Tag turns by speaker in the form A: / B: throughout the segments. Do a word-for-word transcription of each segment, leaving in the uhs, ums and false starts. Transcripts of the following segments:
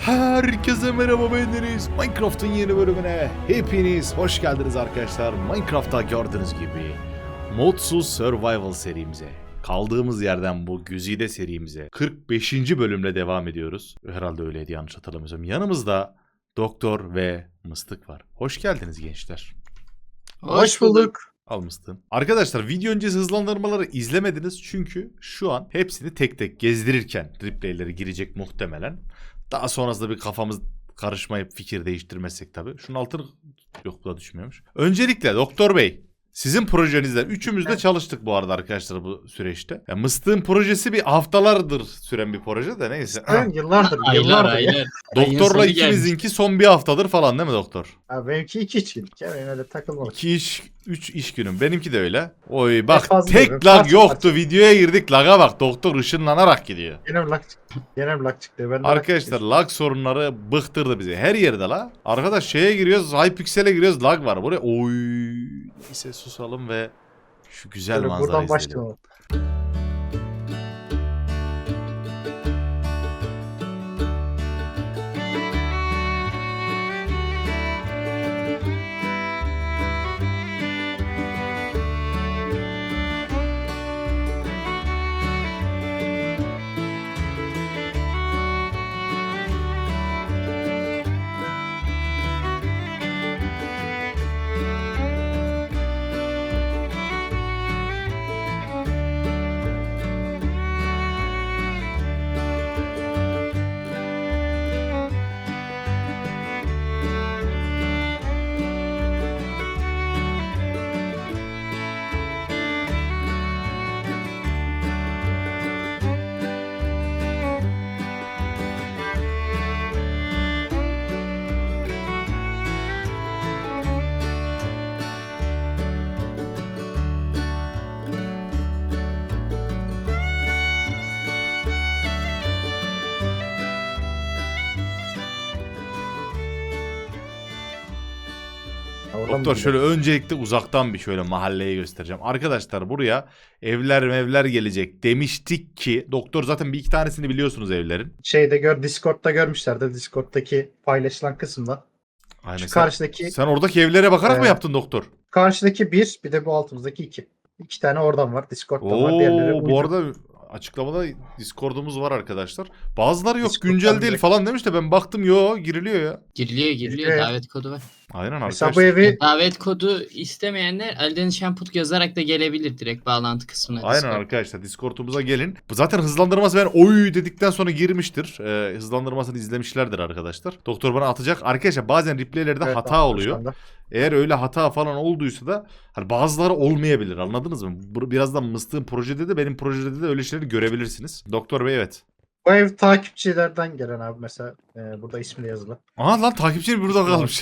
A: Herkese merhaba, ben Deniz. Minecraft'ın yeni bölümüne hepiniz hoş geldiniz arkadaşlar. Minecraft'ta gördüğünüz gibi Modsuz Survival serimize, kaldığımız yerden bu güzide serimize kırk beşinci bölümle devam ediyoruz. Herhalde öyleydi, yanlış hatırlamıyorsam. Yanımızda Doktor ve Mıstık var. Hoş geldiniz gençler.
B: Hoş bulduk.
A: Al Mıstık'ın. Arkadaşlar, video öncesi hızlandırmaları izlemediniz çünkü şu an hepsini tek tek gezdirirken replayleri girecek muhtemelen. Daha sonrasında bir kafamız karışmayıp fikir değiştirmezsek tabii. Şunun altını... Yok, bu da düşmüyormuş. Öncelikle Doktor Bey, sizin projenizden üçümüz de çalıştık bu arada arkadaşlar bu süreçte. Yani Mıstık'ın projesi bir haftalardır süren bir proje de neyse.
B: Ben yıllardır,
C: Aylar
B: yıllardır.
C: aylar.
B: Ya.
A: Doktorla ikimizinki son bir haftadır falan değil mi doktor?
B: Abi benimki iki üç gün. Ya benim öyle takılmalık.
A: İki iş, üç iş günüm. Benimki de öyle. Oy bak,
B: fazla
A: tek
B: değil,
A: lag
B: parça
A: yoktu.
B: parça.
A: Videoya girdik, laga bak. Doktor ışınlanarak gidiyor.
B: Yine bir lag çıktı. Yine bir lag çıktı. Ben de
A: Arkadaşlar,
B: lag çıktı.
A: lag sorunları bıktırdı bizi. Her yerde la. Arkadaş şeye giriyoruz, Hypixel'e giriyoruz, lag var. Buraya oy. Neyse susalım ve şu güzel
B: Şöyle
A: manzarayı
B: buradan
A: izleyelim.
B: başlayalım. Ya oradan
A: Doktor
B: mı
A: şöyle öncelikle uzaktan bir şöyle mahalleyi göstereceğim. Arkadaşlar, buraya evler mevler gelecek demiştik ki doktor zaten bir iki tanesini biliyorsunuz evlerin.
B: Şeyde gör, Discord'da görmüşlerdi. Discord'daki paylaşılan kısımda.
A: Aynen.
B: Şu
A: Sen,
B: karşıdaki
A: sen oradaki evlere bakarak mı
B: Ee,
A: yaptın doktor?
B: karşıdaki bir, bir de bu altımızdaki iki. İki tane oradan var. Discord'dan var. Diğerleri
A: Oo, bu
B: uydu.
A: arada açıklamada Discord'umuz var arkadaşlar. Bazıları yok,
B: Discord'dan
A: güncel değil
B: direkt-
A: falan demiş de ben baktım, yo giriliyor ya.
C: Giriliyor giriliyor
B: Evet.
C: davet kodu var.
A: Aynen
B: Mesela
A: arkadaşlar.
B: bu evi
C: Davet kodu istemeyenler Alden Şamput yazarak da gelebilir direkt bağlantı kısmına.
A: Aynen
C: Discord.
A: arkadaşlar, Discord'umuza gelin. Bu zaten hızlandırması ben oy dedikten sonra girmiştir. Ee, hızlandırmasını izlemişlerdir arkadaşlar. Doktor bana atacak. Arkadaşlar bazen replaylerde
B: Evet,
A: hata
B: şu
A: oluyor.
B: anda.
A: Eğer öyle hata falan olduysa da hani bazıları olmayabilir, anladınız mı? Bu- Birazdan Mıstık'ın projede de benim projede de öyle şeyleri görebilirsiniz. Doktor Bey, evet.
B: Bu ev takipçilerden gelen abi mesela. e, burada ismi de yazılı.
A: Aha lan, takipçi burada kalmış.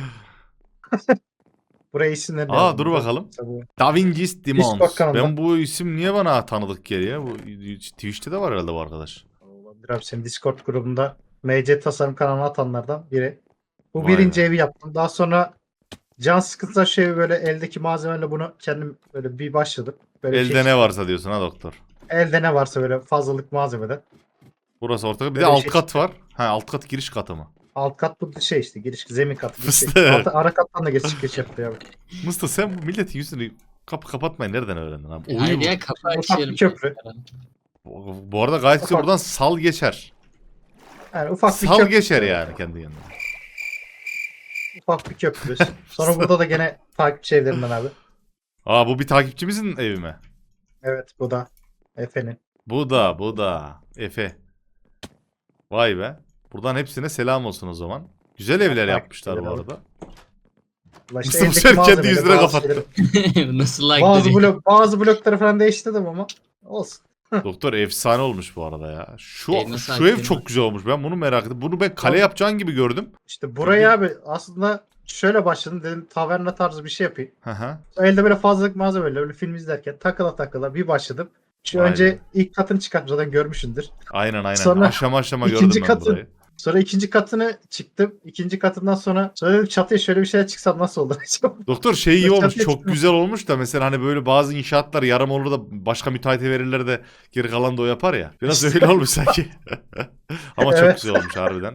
B: Buraya isimlerini
A: Aa,
B: yazdım.
A: dur
B: Burada.
A: bakalım.
B: Mesela bu-
A: Da Vinci's Demons.
B: Discord kanalında.
A: Ben bu isim niye bana tanıdık geliyor? Bu Twitch'te de var herhalde bu arkadaş.
B: Olabilir abi, senin Discord grubunda M C tasarım kanalına atanlardan biri. Bu
A: Vay
B: birinci
A: be.
B: evi yaptım. Daha sonra can sıkıntılar şey böyle eldeki malzemeyle bunu kendim böyle bir başladım. Böyle bir
A: Elde
B: şey
A: ne varsa diyorsun ha doktor.
B: Elde ne varsa böyle fazlalık malzemeden.
A: Burası ortak. Bir
B: Böyle
A: de
B: bir
A: alt
B: şey
A: kat var. Ha, alt kat giriş katı mı?
B: Alt kat bu şey işte giriş zemin katı. Bir şey.
A: Fıstık.
B: Altı, ara kattan da geçiş geç yaptı ya.
A: Mustafa, sen bu milletin yüzünü kapı kapatmayı nereden öğrendin abi? Uyu
C: Hayır
A: bu.
C: ya kapı
B: Ufak bir
C: açıyorum.
B: köprü.
A: Bu, bu arada gayet güzel,
B: Ufak.
A: buradan sal geçer.
B: Yani ufak bir
A: Sal
B: köprü.
A: geçer yani kendi yanına.
B: Ufak bir köprü. Sonra burada da gene takipçi evlerinden abi.
A: Aa, bu bir takipçimizin evi mi?
B: Evet bu da Efe'nin.
A: Bu da bu da Efe. Vay be. Buradan hepsine selam olsun o zaman. Güzel evler
B: Takip
A: yapmışlar bu
B: edelim.
A: arada.
B: Ulan
A: Mustafa
B: eldeki
A: Ser kendi
B: malzemeyle
A: yüzüne
B: bazı
A: kapattı.
B: şeyleri-
C: Nasıl like
B: Bazı,
C: dedi?
B: blok, bazı blokları falan değiştirdim ama olsun.
A: Doktor efsane olmuş bu arada ya. Şu
C: Ev nasıl
A: şu ev
C: hakikaten
A: çok
C: bak.
A: güzel olmuş. Ben bunu merak ettim. Bunu ben kale
B: Abi-
A: yapacağın gibi gördüm.
B: İşte buraya abi aslında şöyle başladım, dedim taverna tarzı bir şey yapayım.
A: Hı hı.
B: Elde böyle fazlalık malzemeyle böyle film izlerken takıla takıla bir başladım. Şu
A: Aynen.
B: önce ilk katını çıkarttım, zaten görmüşsündür.
A: Aynen aynen.
B: Sonra
A: aşama aşama
B: ikinci
A: gördüm ben
B: katı-
A: burayı.
B: Sonra ikinci katını çıktım. İkinci katından sonra sonra dedim çatıya şöyle bir şeyler çıksam nasıl olur acaba?
A: Doktor şey iyi
B: Çatıya
A: olmuş. Çok
B: çıkma.
A: güzel olmuş da mesela hani böyle bazı inşaatlar yarım olur da başka müteahhite verirler de geri kalan da o yapar ya. Biraz
B: İşte.
A: öyle olmuş sanki. Ama çok
B: Evet.
A: güzel olmuş harbiden.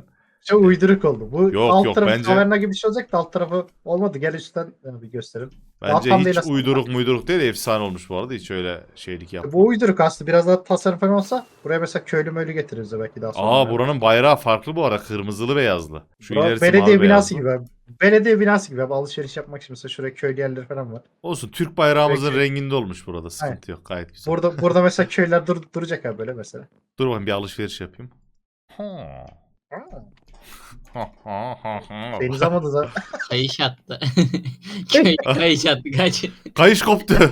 B: çok uyduruk oldu. Bu
A: Yok,
B: alt
A: yok,
B: tarafı
A: bence-
B: taverna gibi bir şey olacak da alt tarafı olmadı. Gel üstten ya bir gösterelim.
A: Bence
B: Tam değil
A: hiç
B: aslında.
A: uyduruk muyduruk değil, efsane olmuş bu arada. Hiç öyle şeylik yapma.
B: Bu uyduruk aslında. Biraz daha tasarım falan olsa buraya mesela köylü möylü getiririz de belki daha sonra.
A: Aa, buranın bayrağı farklı bu arada. Kırmızılı beyazlı. Şu
B: Bura
A: ilerisi
B: belediye
A: mavi
B: binası
A: beyazlı.
B: gibi abi. Belediye binası gibi abi. Alışveriş yapmak için mesela şuraya köylü yerleri falan var.
A: Olsun, Türk bayrağımızın
B: Peki.
A: renginde olmuş burada. Sıkıntı yok, gayet güzel.
B: Burada burada mesela köyler dur, duracak abi böyle mesela.
A: Dur bakayım bir alışveriş yapayım. Ha. Ha, ha, ha, ha.
B: Deniz almadı da.
C: Kayış attı. Köy kayış attı kaç.
A: Kayış koptu.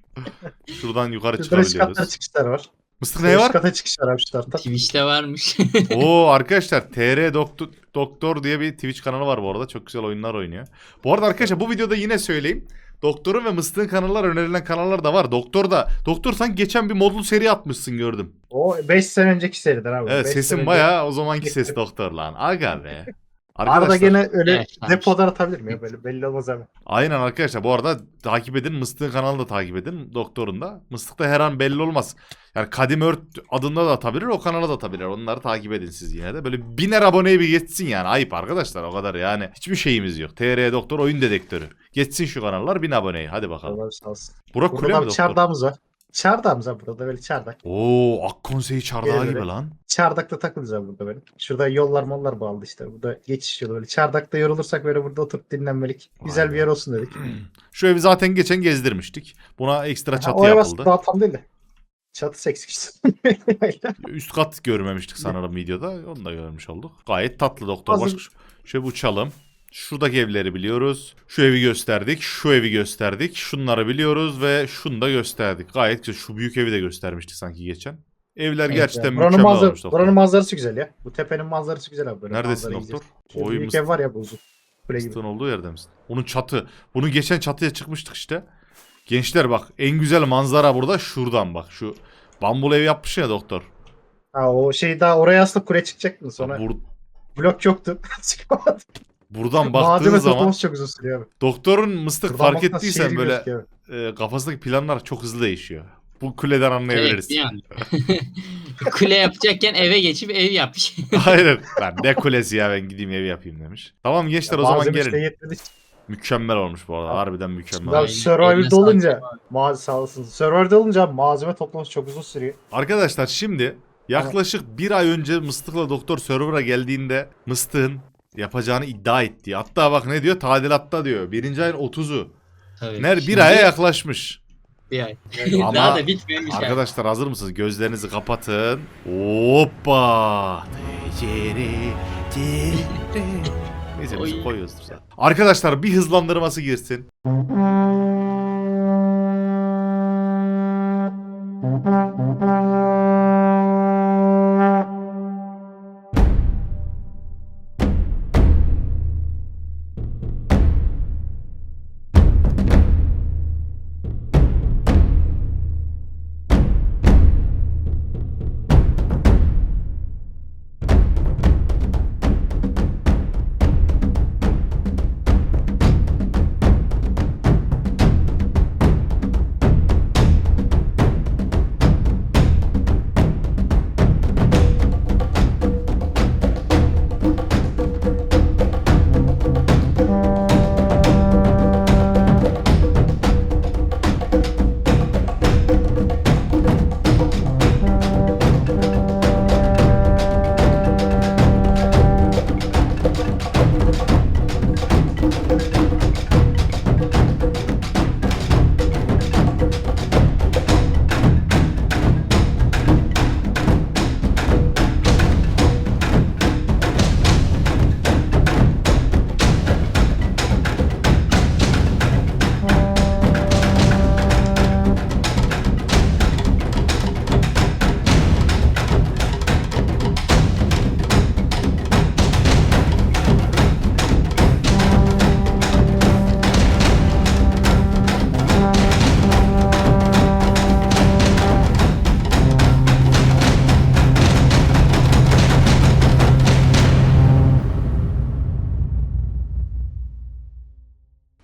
A: Şuradan yukarı
B: Şurada üst katlara
A: çıkabiliyoruz.
B: çıkışlar var.
A: Mıstık ne
B: Üst
A: var?
B: kata çıkışlar abi şu tarafta.
C: Twitch'te varmış.
A: Oo arkadaşlar, T R Doktor, Doktor diye bir Twitch kanalı var bu arada. Çok güzel oyunlar oynuyor. Bu arada arkadaşlar, bu videoda yine söyleyeyim. Doktor'un ve Mıstık'ın kanallar, önerilen kanallar da var. Doktor da. Doktor sanki geçen bir modlu seri atmışsın, gördüm.
B: O beş sene önceki seriden abi.
A: Evet,
B: Beş
A: sesin
B: sene önce-
A: bayağı o zamanki ses Doktor lan. Aga be.
B: Arada
A: Arkadaşlar,
B: gene öyle
C: Evet, tamam.
B: depodan atabilir miyim? Böyle belli olmaz abi.
A: aynen arkadaşlar, bu arada takip edin. Mıstık'ın kanalını da takip edin. Doktor'un da. Mıstık'ta her an belli olmaz. Yani Kadim Ört adında da atabilir, o kanala da atabilir. Onları takip edin siz yine de. Böyle biner aboneye bir geçsin yani. Ayıp arkadaşlar, o kadar yani. Hiçbir şeyimiz yok. T R Doktor oyun dedektörü. Geçsin şu kanallar, bin aboneyi. Hadi bakalım.
B: Allah sağ olsun.
A: Burak
B: Burada
A: Kule
B: da
A: mi
B: bir
A: Doktor?
B: çardağımız var. Çardağımız var burada böyle çardak.
A: Oo, Akkonseyi çardağı
B: Gel
A: gibi
B: böyle.
A: lan.
B: Çardakta takılacağız abi burada böyle. Şurada yollar mollar bağlı işte. Burada geçiş yolu böyle. Çardakta yorulursak böyle burada oturup dinlenmelik. Güzel
A: Aynen.
B: bir yer olsun dedik.
A: Şu evi zaten geçen gezdirmiştik. Buna ekstra
B: Ha,
A: çatı
B: o ev
A: yapıldı.
B: aslında daha tam değil de. Çatısı eksik işte.
A: Üst kat görmemiştik sanırım videoda. Onu da görmüş olduk. Gayet tatlı Doktor.
B: Hazır-
A: Başka şöyle bir uçalım. Şuradaki evleri biliyoruz. Şu evi gösterdik. Şu evi gösterdik. Şunları biliyoruz ve şunu da gösterdik. Gayet güzel. Şu büyük evi de göstermiştik sanki geçen. Evler
C: Evet,
A: gerçekten
B: buranın,
A: mükemmel
B: manzara,
A: olmuş Doktor.
B: buranın manzarası güzel ya. Bu tepenin manzarası güzel abi. Böyle
A: Neredesin
B: manzara
A: Doktor?
B: izliyorsun. Şu
A: Oy,
B: büyük
A: mıst-
B: ev var ya bu uzun. Kule gibi.
A: Mıstığın olduğu yerde misin? Onun çatı. Bunu geçen çatıya çıkmıştık işte. Gençler bak, en güzel manzara burada şuradan bak. Şu bambul ev yapmış ya Doktor.
B: Ha o şey daha oraya aslında kule çıkacaktın sonra.
A: Bur-
B: Blok yoktu. Çıkamadı.
A: buradan baktığın
B: Malzeme
A: zaman
B: toplaması çok uzun sürüyor abi.
A: Doktorun Mıstık
B: Buradan
A: fark
B: baktığında
A: ettiysen
B: şehir
A: böyle
B: gözüküyor abi.
A: e, kafasındaki planlar çok hızlı değişiyor. Bu kuleden
C: Evet,
A: anlayabiliriz.
C: bir an. Kule yapacakken eve geçip ev yapmış.
A: Hayır. Lan ne kulesi ya, ben gideyim ev yapayım demiş. Tamam gençler, o zaman
B: Malzeme işte
A: gelin.
B: yetmedi.
A: Mükemmel olmuş bu arada. Harbiden mükemmel.
B: Ya
A: olmuş.
B: Survivor'da olunca ma sağ olasın. Survivor'da olunca malzeme toplaması çok uzun sürüyor.
A: Arkadaşlar şimdi yaklaşık bir ay önce Mıstık'la Doktor server'a geldiğinde Mıstık'ın yapacağını iddia etti. Hatta bak ne diyor? Tadilatta diyor. Birinci ayın otuzu.
C: Tabii.
A: Ner bir
C: Şimdi
A: aya yaklaşmış.
C: bir ay.
A: Ama
C: Daha da bitmemiş. abi.
A: Arkadaşlar hazır mısınız? Gözlerinizi kapatın. Hoppa. Tecere, tecere. Neyse biz
C: Oy.
A: koyuyoruz zaten. Arkadaşlar bir hızlandırması girsin.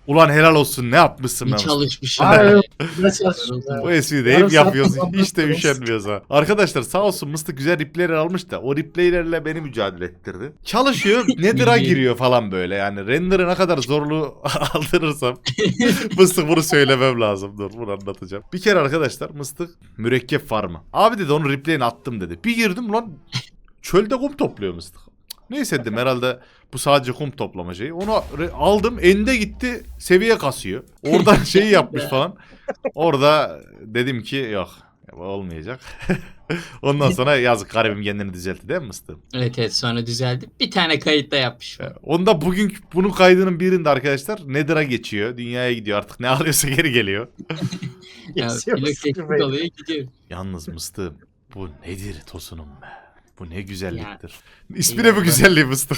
A: Ulan helal olsun ne yapmışsın
C: İyi
A: be Mustafa.
C: çalışmışım.
B: Hayır. Ne çalışıyorsun ya?
A: Bu espriyi de hep
B: Yarın
A: yapıyoruz.
B: saat
A: Hiç de
B: toplantısı.
A: üşenmiyoruz ha. Arkadaşlar sağ olsun Mıstık güzel replayler almış da o replaylerle beni mücadele ettirdi. Çalışıyor Nether'a giriyor falan böyle yani. Render'ı ne kadar zorluğu aldırırsam Mıstık bunu söylemem lazım. Dur bunu anlatacağım. Bir kere arkadaşlar Mıstık mürekkep farmı. Abi dedi onun replayini attım dedi. Bir girdim lan çölde kum topluyor Mıstık. Neyse dedim herhalde bu sadece kum toplama şeyi. Onu re- aldım ende gitti seviye kasıyor. Oradan şeyi yapmış falan. Orada dedim ki yok olmayacak. Ondan sonra yazık garibim kendini düzeltti değil mi Mıstığım?
C: Evet evet sonra düzeldi. Bir tane kayıtta yapmış.
A: Onda bugün bunun kaydının birinde arkadaşlar Nether'a geçiyor. Dünyaya gidiyor artık ne alıyorsa geri geliyor.
C: Ya,
B: Geçiyor
C: blok
B: musun
C: teknik
B: be?
C: oluyor gidiyor.
A: Yalnız Mıstığım bu nedir tosunum be? Bu ne güzelliktir. İsmi
C: Ya
A: ne bu
C: ben-
A: güzelliği Mıstık?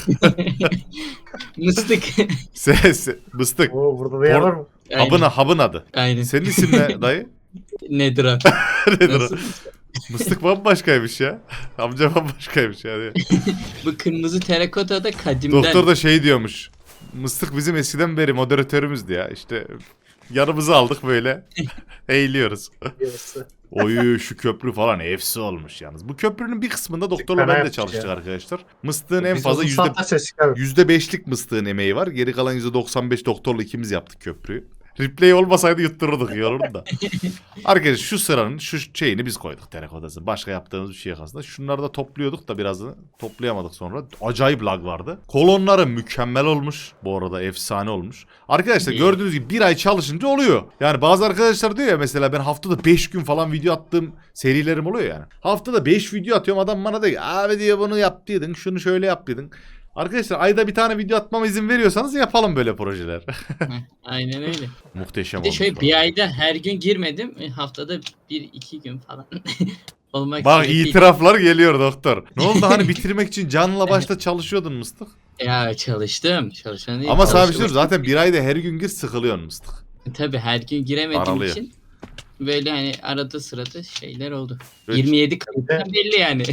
C: Mıstık.
A: Ses, Mıstık.
B: Oo burada da yer var mı?
A: Habın, habın adı.
C: Aynen.
A: Senin isim ne dayı?
C: Nedir o?
A: Nedir o?
C: Nasıl?
A: Mıstık bambaşkaymış ya. Amca bambaşkaymış yani.
C: Bu kırmızı terakota da kadimden.
A: Doktor da şey diyormuş. Mıstık bizim eskiden beri moderatörümüzdü ya. İşte yanımıza aldık böyle. Eğiliyoruz.
B: Yarısı.
A: Oyu şu köprü falan efsi olmuş yalnız. Bu köprünün bir kısmında doktorla
B: Fena
A: ben de
B: yapmış
A: çalıştık
B: ya.
A: arkadaşlar. Mıstığın en
B: Biz
A: fazla
B: uzun
A: yüzde
B: saatte ses çıkar.
A: yüzde beşlik mıstığın emeği var. Geri kalan yüzde doksan beş doktorla ikimiz yaptık köprüyü. Replay olmasaydı yuttururduk yorulun da. Arkadaşlar şu sıranın şu şeyini biz koyduk terakotası. Başka yaptığımız bir şey yok aslında. Şunları da topluyorduk da birazını toplayamadık sonra. Acayip lag vardı. Kolonları mükemmel olmuş. Bu arada efsane olmuş. Arkadaşlar
C: İyi.
A: gördüğünüz gibi bir ay çalışınca oluyor. Yani bazı arkadaşlar diyor ya mesela ben haftada beş gün falan video attığım serilerim oluyor yani. Haftada beş video atıyorum adam bana diyor ki abi diyor bunu yaptıydın şunu şöyle yaptıydın. Arkadaşlar ayda bir tane video atmama izin veriyorsanız yapalım böyle projeler.
C: Heh, Aynen öyle.
A: Muhteşem
C: Bir de
A: olmuş.
C: şöyle
A: bu
C: bir
A: arada.
C: ayda her gün girmedim. E, Haftada bir iki gün falan. Olmak
A: Bak
C: suretiyle.
A: itiraflar geliyor doktor. Ne oldu hani bitirmek için canla başla çalışıyordun Mıstık.
C: Ya çalıştım. Çalışan değil.
A: Ama sana bir şey
C: çalıştım.
A: söyleyeyim, zaten bir ayda her gün gir sıkılıyorsun Mıstık.
C: Tabii her gün giremediğim
A: Aralıyor.
C: için böyle hani arada sırada şeyler oldu.
A: Böyle
C: yirmi yedi kayıttan belli yani.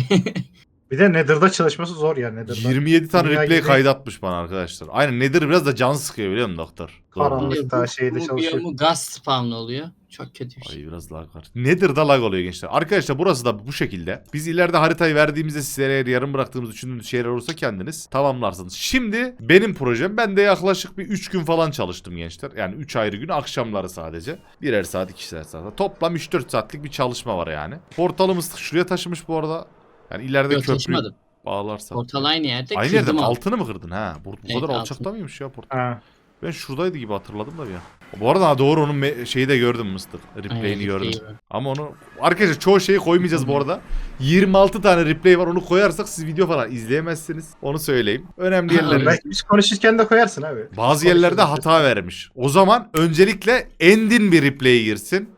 B: Bir de Nether'da çalışması zor ya Nether'da.
A: yirmi yedi tane
B: Dünya
A: replay
B: gibi.
A: kaydatmış bana arkadaşlar. Aynen Nether biraz da can sıkıyor biliyor musun doktor?
B: Karanlık. Daha şeyde
C: Bu
B: çalışıyor.
C: biyomu gaz spawn oluyor. Çok kötü bir şey.
A: Ay biraz lag var. Nether'da lag oluyor gençler. Arkadaşlar burası da bu şekilde. Biz ileride haritayı verdiğimizde sizlere eğer yarım bıraktığımız düşündüğünüz şeyler olursa kendiniz tamamlarsınız. Şimdi benim projem ben de yaklaşık bir üç gün falan çalıştım gençler. Yani üç ayrı gün akşamları sadece. Birer saat ikişer saat. Toplam üç dört saatlik bir çalışma var yani. Portalımız şuraya taşımış bu arada. Yani ileride
C: Yok
A: köprü
C: taşımadım.
A: bağlarsak.
C: Portal aynı yerde.
A: Aynı yerde
C: kırdım
A: mi?
C: altı.
A: Altını mı kırdın ha? Bu, bu
C: Evet,
A: kadar
C: altını.
A: alçakta mıymış ya portal?
B: Ha.
A: Ben şuradaydı gibi hatırladım da bir an. Bu arada ha, doğru onun me- şeyi de gördüm Mıstık. Replay'ini
C: Aynen,
A: gördüm.
C: replay var.
A: Ama onu arkadaşlar çoğu şeyi koymayacağız bu arada. yirmi altı tane replay var. Onu koyarsak siz video falan izleyemezsiniz. Onu söyleyeyim. Önemli
C: Ha,
A: yerleri.
B: Belki biz konuşurken de koyarsın abi.
A: Bazı
B: Konuşuruz
A: yerlerde
B: işte.
A: hata vermiş. O zaman öncelikle endin bir replay girsin.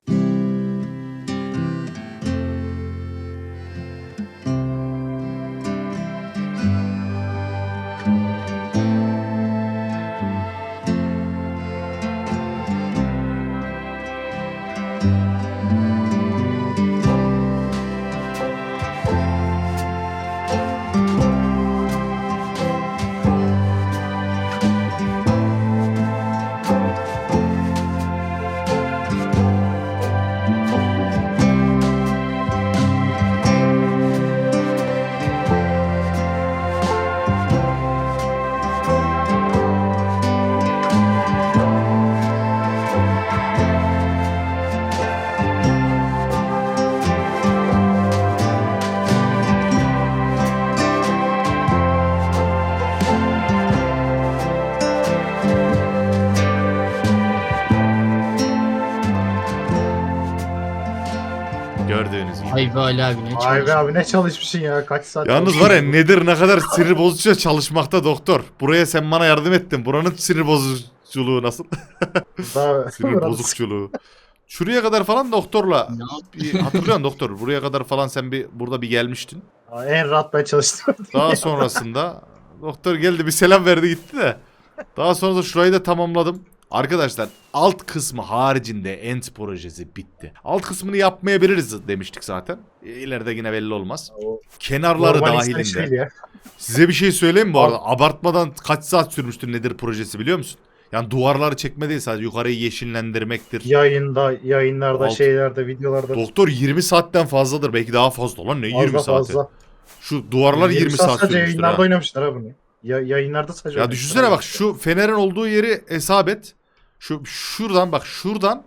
A: Gördüğünüz gibi.
C: Ay be Ali abi ne
B: Vay be
C: çalıştın.
B: abi ne çalışmışsın ya kaç saat.
A: Yalnız var ya nedir ne kadar sinir bozucu çalışmakta doktor. Buraya sen bana yardım ettin. Buranın sinir bozuculuğu nasıl?
B: Daha
A: Sinir bozukçuluğu. Şuraya kadar falan doktorla
C: Ne yaptın?
A: bir hatırlıyorsun doktor. Buraya kadar falan sen bir burada bir gelmiştin.
B: Aa, en rahat ben çalıştım.
A: Daha sonrasında doktor geldi bir selam verdi gitti de. Daha sonra da şurayı da tamamladım. Arkadaşlar alt kısmı haricinde End projesi bitti. Alt kısmını yapmayabiliriz demiştik zaten. İleride yine belli olmaz.
B: O
A: Kenarları
B: normal insan işi değil
A: dahilinde.
B: ya.
A: Size bir şey söyleyeyim mi bu arada? Abartmadan kaç saat sürmüştür nedir projesi biliyor musun? Yani duvarları çekme değil, sadece yukarıyı yeşillendirmektir.
B: Yayında, yayınlarda,
A: Alt-
B: şeylerde, videolarda
A: Doktor yirmi saatten fazladır, belki daha fazla lan, ne yirmi
B: fazla
A: saati?
B: fazla.
A: Şu duvarlar yirmi saat
B: sadece
A: sürmüştür
B: yayınlarda
A: ha.
B: oynamışlar ha bunu. Ya, yayınlarda sadece
A: Ya
B: oynamışlar
A: düşünsene
B: abi.
A: bak, şu fenerin olduğu yeri hesap et. Şu şuradan bak, şuradan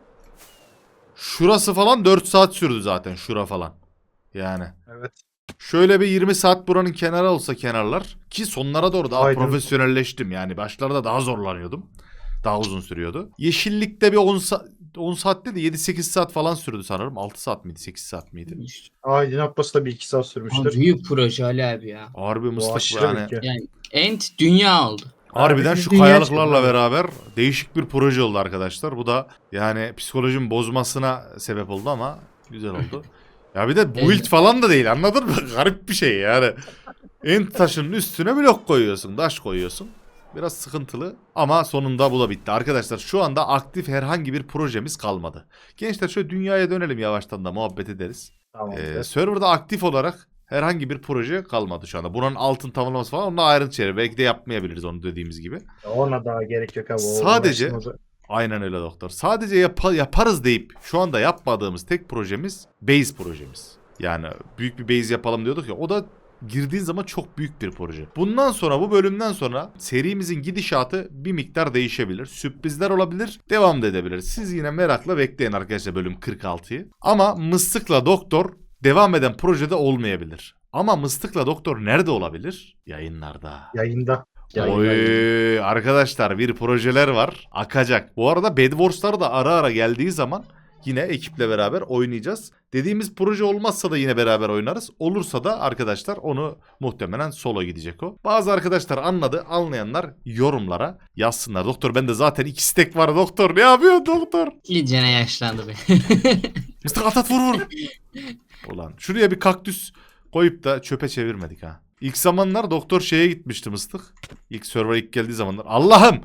A: şurası falan dört saat sürdü zaten, şura falan. Yani
B: Evet.
A: şöyle bir yirmi saat buranın kenarı olsa, kenarlar ki sonlara doğru daha
B: Aynen.
A: profesyonelleştim. Yani başlarda daha zorlanıyordum. Daha uzun sürüyordu. Yeşillikte bir on saat on saatte de yedi sekiz saat falan sürdü sanırım. altı saat miydi, sekiz saat miydi?
B: Aydınlatması da bir iki saat
C: Abi
B: sürmüştür.
C: büyük proje Ali abi ya.
A: Harbi
B: Bu
A: mıstık
B: aşırı
A: yani.
B: büyük ya.
C: Yani Ent dünya oldu.
A: Harbiden
B: Abi
A: şu
B: dünya
A: kayalıklarla
B: çıktı.
A: beraber değişik bir proje oldu arkadaşlar. Bu da yani psikolojimi bozmasına sebep oldu ama güzel oldu. Ya bir de build
C: Evet.
A: falan da değil, anladın mı? Garip bir şey yani. Ent taşının üstüne blok koyuyorsun, taş koyuyorsun. Biraz sıkıntılı ama sonunda bu da bitti. Arkadaşlar şu anda aktif herhangi bir projemiz kalmadı. Gençler şöyle dünyaya dönelim, yavaştan da muhabbet ederiz.
B: Tamam.
A: Ee, serverda aktif olarak herhangi bir proje kalmadı şu anda. Bunun altın tamamlaması falan, onunla ayrıntı içerir. Belki de yapmayabiliriz onu, dediğimiz gibi.
B: Ona daha gerek yok abi. O
A: Sadece-
B: uğraştığımız-
A: Aynen öyle doktor. Sadece yapa- yaparız deyip şu anda yapmadığımız tek projemiz base projemiz. Yani büyük bir base yapalım diyorduk ya, o da girdiğin zaman çok büyük bir proje. Bundan sonra, bu bölümden sonra serimizin gidişatı bir miktar değişebilir. Sürprizler olabilir, devam da edebilir. Siz yine merakla bekleyin arkadaşlar bölüm kırk altıyı. Ama Mıstık'la Doktor devam eden projede olmayabilir. Ama Mıstık'la Doktor nerede olabilir? Yayınlarda.
B: Yayında. Yayında.
A: Oy arkadaşlar, bir projeler var, akacak. Bu arada Bed Wars'lar da ara ara geldiği zaman yine ekiple beraber oynayacağız. Dediğimiz proje olmazsa da yine beraber oynarız. Olursa da arkadaşlar onu muhtemelen solo gidecek o. Bazı arkadaşlar anladı, anlayanlar yorumlara yazsınlar. Doktor bende zaten iki stack var doktor, ne yapıyorsun doktor?
C: İyicene yaşlandı be.
A: Mıstık at at vur vur. Ulan şuraya bir kaktüs koyup da çöpe çevirmedik ha. İlk zamanlar doktor şeye gitmişti Mıstık. İlk server ilk geldiği zamanlar. Allah'ım!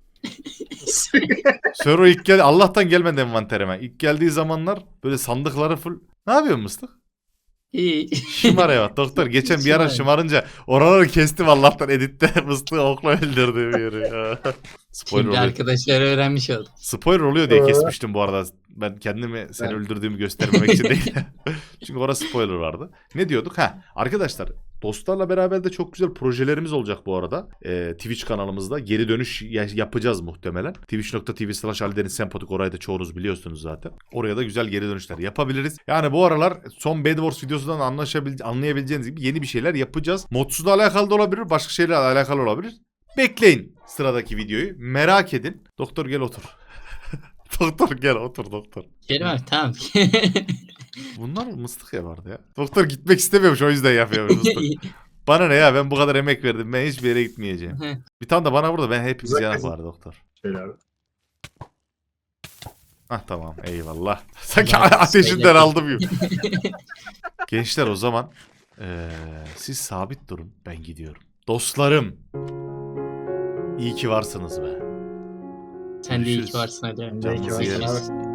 A: Server ilk geldi. Allah'tan gelmedi envanterime. İlk geldiği zamanlar böyle sandıkları full. Ne yapıyorsun Mıstık?
C: İyi.
A: Şımar evet doktor. Geçen bir ara
C: Şımar.
A: şımarınca oraları kestim Allah'tan editte. Mıstığı okla öldürdüğüm yeri. Spoiler
C: Şimdi
A: oluyor.
C: arkadaşlar öğrenmiş oldu.
A: Spoiler oluyor diye
B: Ee?
A: kesmiştim bu arada. Ben kendimi seni
B: Ben-
A: öldürdüğümü göstermemek için değil. Çünkü orada spoiler vardı. Ne diyorduk? Ha arkadaşlar, dostlarla beraber de çok güzel projelerimiz olacak bu arada. Ee, Twitch kanalımızda geri dönüş ya- yapacağız muhtemelen. twitch nokta tv slash aldeniz sempatik, orayı da çoğunuz biliyorsunuz zaten. Oraya da güzel geri dönüşler yapabiliriz. Yani bu aralar son Bed Wars videosundan anlaşabil- anlayabileceğiniz gibi yeni bir şeyler yapacağız. Modsuzla alakalı da olabilir, başka şeylerle alakalı olabilir. Bekleyin sıradaki videoyu. Merak edin. Doktor gel otur. Doktor gel otur doktor.
C: Kerim abi tamam.
A: Bunlar mıstık ya vardı ya. Doktor gitmek istemiyormuş, o yüzden yapıyormuş mıstık. Bana ne ya, ben bu kadar emek verdim, ben hiçbir yere gitmeyeceğim. Bir tane de bana burada, ben hepimiz
B: Güzel
A: yanak
B: kızım.
A: var doktor.
B: Şöyle abi.
A: Hah tamam eyvallah. Sanki
C: Tamam,
A: ateşinden
C: söyle.
A: aldım gibi. Gençler o zaman eee, siz sabit durun, ben gidiyorum. Dostlarım. İyi ki varsınız be.
C: Sen de iyi
A: Görüşürüz.
C: ki varsın hadi.
B: Sen de iyi ki
A: Canınızı
B: varsın
A: yerim.
B: abi.